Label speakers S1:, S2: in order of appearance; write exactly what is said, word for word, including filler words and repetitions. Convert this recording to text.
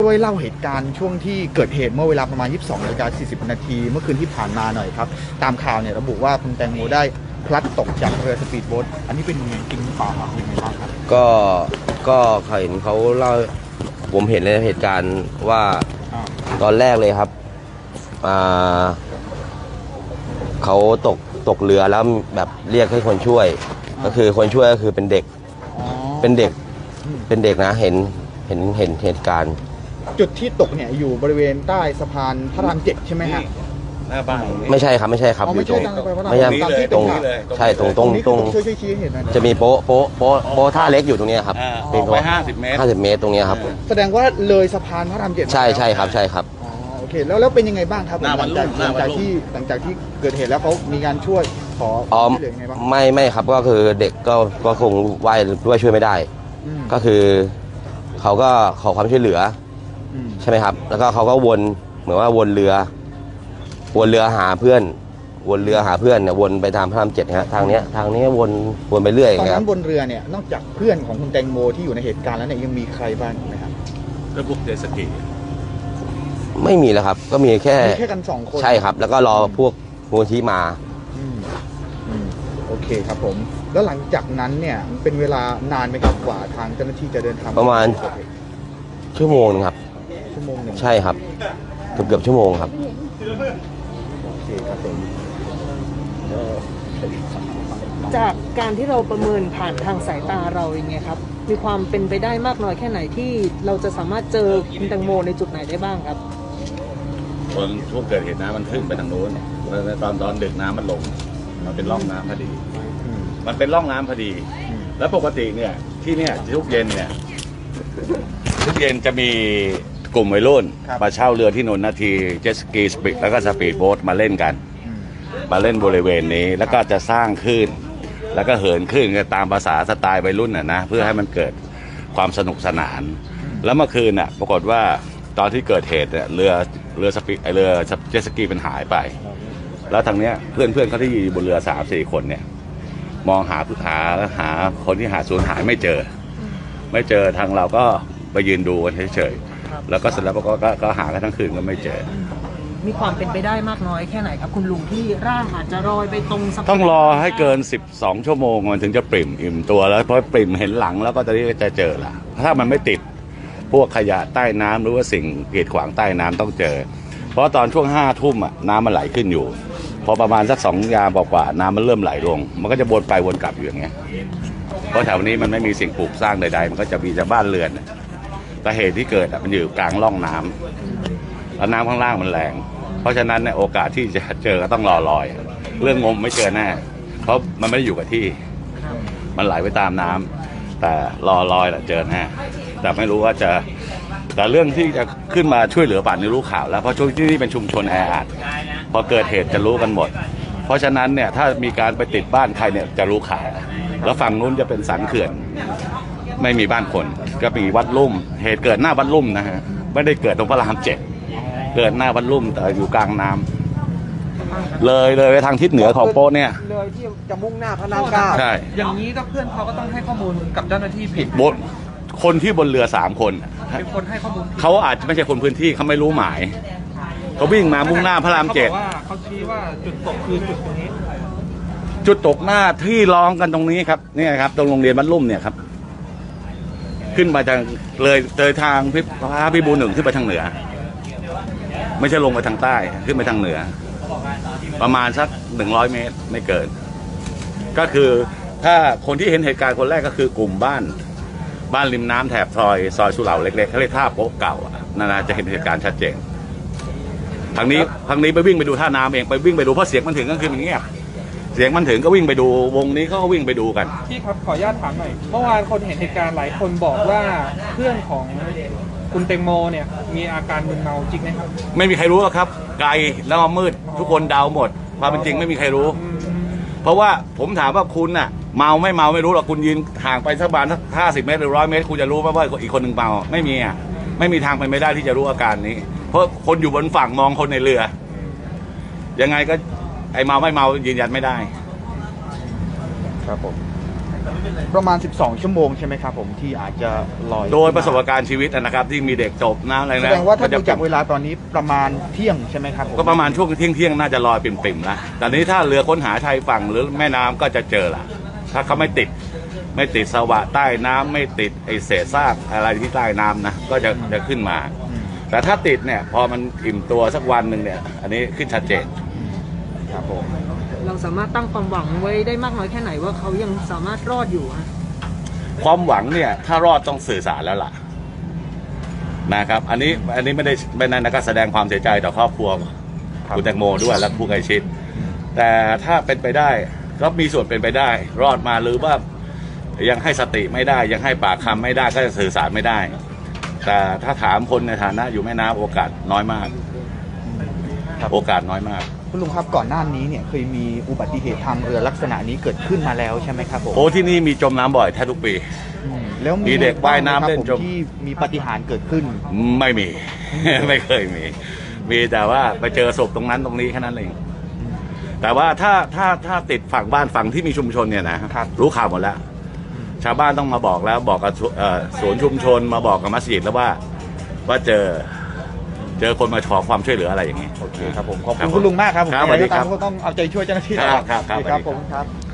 S1: ช่วยเล่าเหตุการณ์ช่วงที่เกิดเหตุเมื่อเวลาประมาณ ยี่สิบสองนาฬิกาสี่สิบนาทีเมื่อคืนที่ผ่านมาหน่อยครับตามข่าวเนี่ยระบุว่าคุณแตงโมได้พลัดตกจากเรือสปีดโบ๊ทอันนี้เป็นยังไงจริงหรือเปล่าครับยังไงบ้างครับ
S2: ก็ก็เขาเห็นเขาเล่าผมเห็นในเหตุการณ์ว่าตอนแรกเลยครับอ่าเขาตกตกเรือแล้วแบบเรียกให้คนช่วยก็คือคนช่วยก็คือเป็นเด็กเป็นเด็กเป็นเด็กนะเห็นเห็นเห็นเหตุการณ์
S1: จุดที่ตกเนี่ยอยู่บริเวณใต้สะพานพระรามเจ็ดใช่ไหมฮะ
S3: หน้าบ้าน
S2: ไม่ใช่ครับไม่ใช่ครับ
S1: อยู่ตรง
S2: ไม่ใช่ตรงใช่ตรงตรงตรงจะมีโป๊ะโป๊ะโป๊ะโป๊ะท่าเล็กอยู่ตรงนี้ครับ
S3: เป็นไปห้าสิบเมตร
S2: ห้าสิบเมตรตรงนี้ครับ
S1: แสดงว่าเลยสะพานพระรามเจ็ด
S2: ใช่ใช่ครับใช่ครับ
S1: อ๋อโอเคแล้วแล้วเป็นยังไงบ้างครับหลังจากหลังจากที่หลังจากที่เกิดเหตุแล้วเขามีการช่วยขอช่วยเหลือยังไงบ้าง
S2: ไม่ไม่ครับก็คือเด็กก็ก็คงว่ายด้วยช่วยไม่ได้ก็คือเขาก็ขอความช่วยเหลือใช่ไหมครับแล้วก็เขาก็วนเหมือนว่าวนเรือวนเรือหาเพื่อนวนเรือหาเพื่อนเนี่ยวนไปตามพระรามเจ็ดฮะทางเนี้ยทางนี้วนวนไปเรื่อย
S1: ตอนนั้นบนเรือเนี่ยนอกจากเพื่อนของคุณแตงโมที่อยู่ในเหตุการณ์แล้วเนี่ยยังมีใครบ้างไหมครับ
S3: ก็พวกเจสกี
S2: ไม่มีแล้วครับก็มีแค่
S1: มีแค่กันสองคน
S2: ใช่ครับแล้วก็รอพวกมูลที่มา
S1: โอเคครับผมแล้วหลังจากนั้นเนี่ยเป็นเวลานานไหมครับกว่าทางเจ้าหน้าที่จะเดินทาง
S2: ประมาณชั่วโมงนึงครับ
S1: ชั่วโมงหนึ่ง
S2: ใช่ครับเกือบเกือบชั่วโมงครับ
S1: โอเคครับผม
S4: จากการที่เราประเมินผ่านทางสายตาเราอย่างเงี้ยครับมีความเป็นไปได้มากน้อยแค่ไหนที่เราจะสามารถเจอคุณแตงโมในจุดไหนได้บ้างครับ
S3: ตอนช่วงเกิดเหตุน้ำมันขึ้นไปทางโน้นแล้วตอนตอนดึกน้ำมันลงมันเป็นร่องน้ำพอดีมันเป็นร่องน้ำพอดีแล้วปกติเนี่ยที่เนี่ยทุกเย็นเนี่ยทุกเย็นจะมีกลุ่มวัยรุ่นมาเช่าเรือที่นนทนาทีเจ็ตสกีสปีดแล้วก็สปีดโบ๊ทมาเล่นกันมาเล่นบริเวณนี้แล้วก็จะสร้างคลื่นแล้วก็เหินคลื่นกันตามภาษาสไตล์วัยรุ่นน่ะนะเพื่อให้มันเกิดความสนุกสนานแล้วเมื่อคืนน่ะปรากฏว่าตอนที่เกิดเหตุเนี่ยเรือเรือสปีดเรือเจ็ตสกีมันหายไปแล้วทางเนี้ยเพื่อนเพื่อนเขาที่อยู่บนเรือสามสี่คนเนี่ยมองหาหาหาคนที่หาสูญหายไม่เจอไม่เจอทางเราก็ไปยืนดูกันเฉยๆแล้วก็เสร็จแล้วก็ก็หากันทั้งคืนก็ไม่เจอ
S4: มีความเป็นไปได้มากน้อยแค่ไหนครับคุณลุงที่ร่างอาจจะลอยไปตรง
S3: ต้องรอให้เกินสิบสองชั่วโมงมันถึงจะปริ่มอิ่มตัวแล้วเพราะปริ่มเห็นหลังแล้วก็จะจะเจอละถ้ามันไม่ติดพวกขยะใต้น้ำหรือว่าสิ่งกีดขวางใต้น้ำต้องเจอเพราะตอนช่วงห้าทุ่มอ่ะน้ำมันไหลขึ้นอยู่พอประมาณสักสองยามกว่าน้ำมันเริ่มไหลลงมันก็จะวนไปวนกลับอยู่อย่างเงี้ยเพราะแถวนี้มันไม่มีสิ่งปลูกสร้างใดๆมันก็จะมีแต่บ้านเรือนแต่เหตุที่เกิดมันอยู่กลางร่องน้ำแล้วน้ำข้างล่างมันแรงเพราะฉะนั้นเนี่ยโอกาสที่จะเจอก็ต้องรอลอยเรื่องงมไม่เจอแน่เพราะมันไม่ได้อยู่กับที่มันไหลไปตามน้ำแต่รอลอยแหละเจอแน่แต่ไม่รู้ว่าจะแต่เรื่องที่จะขึ้นมาช่วยเหลือป่านนี้รู้ข่าวแล้วเพราะช่วงที่นี่เป็นชุมชนแออัดพอเกิดเหตุจะรู้กันหมดเพราะฉะนั้นเนี่ยถ้ามีการไปติดบ้านใครเนี่ยจะรู้ข่าวแล้วฝั่งนู้นจะเป็นสันเขื่อนไม่มีบ้านคนก็มีวัดลุ่มเหตุเกิดหน้าวัดลุ่มนะฮะไม่ได้เกิดตรงพระรามเจ็ดเกิดหน้าวัดลุ่มแต่อยู่กลางน้ำเลยเลยไปทางทิศเหนือของโป๊ะเนี่ย
S1: เลยที่จะมุ่งหน้าพระรามเก้า
S3: ใช่
S4: อย่างนี้ก็เพื่อนเขาก็ต้องให้ข้อมูลกับเจ้าหน้าที่ผิด
S3: บนคนที่บนเรือสามคน
S4: เป็นคนให้ข้อมูล
S3: เขาอาจจะไม่ใช่คนพื้นที่เขาไม่รู้หมายเขาวิ่งมามุ่งหน้าพระรามเจ็ด
S4: เขาบอกว่าเขาชี้ว่าจุดตกคือจุดตรงนี้
S3: จุดตกหน้าที่ร้องกันตรงนี้ครับนี่ครับตรงโรงเรียนบ้านลุ่มเนี่ยครับขึ้นมาทางเลยเลยทางพิพาพิบูลหนึ่งขึ้นไปทางเหนือไม่ใช่ลงไปทางใต้ขึ้นไปทางเหนือประมาณสักหนึ่งร้อยเมตรไม่เกินก็คือถ้าคนที่เห็นเหตุการณ์คนแรกก็คือกลุ่มบ้านบ้านริมน้ำแถบซอยซอยสุเหร่าเล็กๆเขาเรียกท่าโป๊ะเก่านั่นนะจะเห็นเหตุการณ์ชัดเจนทางนี้ทางนี้ไปวิ่งไปดูท่าน้ำเองไปวิ่งไปดูเพราะเสียงมันถึงก็คือมันเงียบเสียงมันถึงก็วิ่งไปดูวงนี้เขาก็วิ่งไปดูกัน
S4: พี่ครับขออนุญาตถามหน่อยเมื่อวานคนเห็นเหตุการณ์หลายคนบอกว่าเพื่อนของคุณแตงโมเนี่ยมีอาการมึนเมาจริงไหมครับ
S3: ไม่มีใครรู้หรอกครับไกลแล้วมืดทุกคนเดาหมดความเป็นจริงไม่มีใครรู้เพราะว่าผมถามว่าคุณน่ะเมาไม่เมาไม่รู้หรอกคุณยืนห่างไปสักประมาณสักห้าสิบเมตรหรือร้อยเมตรคุณจะรู้ไหมว่าอีกคนหนึ่งเมาไม่มีอ่ะไม่มีทางเป็นไม่ได้ที่จะรู้อาการนี้เพราะคนอยู่บนฝั่งมองคนในเรือยังไงก็ไอเมาไม่เมายืนยันไม่ได้
S1: ครับผมประมาณ สิบสอง ชั่วโมงใช่ไหมครับผมที่อาจจะลอย
S3: โดยประสบการณ์ชีวิตนะครับ ที่มีเด็กจบน้ำอะไร
S1: แส
S3: นะ
S1: ดงว่าถ้า
S3: จะ
S1: ดูจากเวลาตอนนี้ประมาณเที่ยงใช่ไหมครับผม
S3: ก็ประมาณช่วงเที่ยงเที่ยงๆน่าจะลอยปิ่มๆนะแต่นี้ถ้าเรือค้นหาชายฝั่งหรือแม่น้ำก็จะเจอละถ้าเขาไม่ติดไม่ติดสวะใต้น้ำไม่ติดไอเศษซากอะไรที่ใต้น้ำนะก็จะจะขึ้นมา
S1: อืม
S3: แต่ถ้าติดเนี่ยพอมันอิ่มตัวสักวันหนึ่งเนี่ยอันนี้ขึ้นชัดเจน
S1: ครับผม
S4: เราสามารถตั้งความหวังไว้ได้มากน้อยแค่ไหนว่าเขายังสามารถรอดอยู่ฮะ
S3: ความหวังเนี่ยถ้ารอดต้องสื่อสารแล้วล่ะนะครับอันนี้อันนี้ไม่ได้ไม่นั้นนะก็แสดงความเสียใจต่อครอบครัวคุณแตงโมด้วยและผู้ใกล้ชิดแต่ถ้าเป็นไปได้ก็มีส่วนเป็นไปได้ รอดมาหรือว่ายังให้สติไม่ได้ ยังให้ปากคำไม่ได้ก็จะสื่อสารไม่ได้ แต่ถ้าถามคนในฐานะอยู่แม่น้ำโอกาสน้อยมาก
S1: ครับ
S3: โอกาสน้อยมาก
S1: คุณลุงครับก่อนหน้านี้เนี่ยเคยมีอุบัติเหตุทางเรือลักษณะนี้เกิดขึ้นมาแล้วใช่ไหมครับผม
S3: โอ้ที่นี่มีจมน้ำบ่อยแทบทุกปี
S1: อืมแล้ว
S3: มีเด็กว่ายน้ำเล่น
S1: บ้งไหมครับ
S3: จม
S1: ผที่มีปาฏิหาริย์เกิดขึ้น
S3: ไม่มี ไม่เคยมี มีแต่ว่าไปเจอศพตรงนั้นตรงนี้แค่นั้นเองแต่ว่าถ้าถ้าถ้าติดฝั่งบ้านฝั่งที่มีชุมชนเนี่ยนะครับ รู้ข่าวหมดแล้ว ชาวบ้านต้องมาบอกแล้วบอกกับเอ่อศูนย์ชุมชนมาบอกกับมัสยิดแล้วว่าว่าเจอเจอคนมาขอความช่วยเหลืออะไรอย่างนี้
S1: โอเคครับผมขอบ
S3: ครั
S1: คุ
S3: บ
S1: ณคุณลุงมากครับผม
S3: ครับสวัสดีครับ
S1: ก็ต้องเอาใจช่วยเจ้าหน้าที่
S3: ครับครับครับ
S1: ครับ
S3: สวัสดีครับ
S1: ผมครับ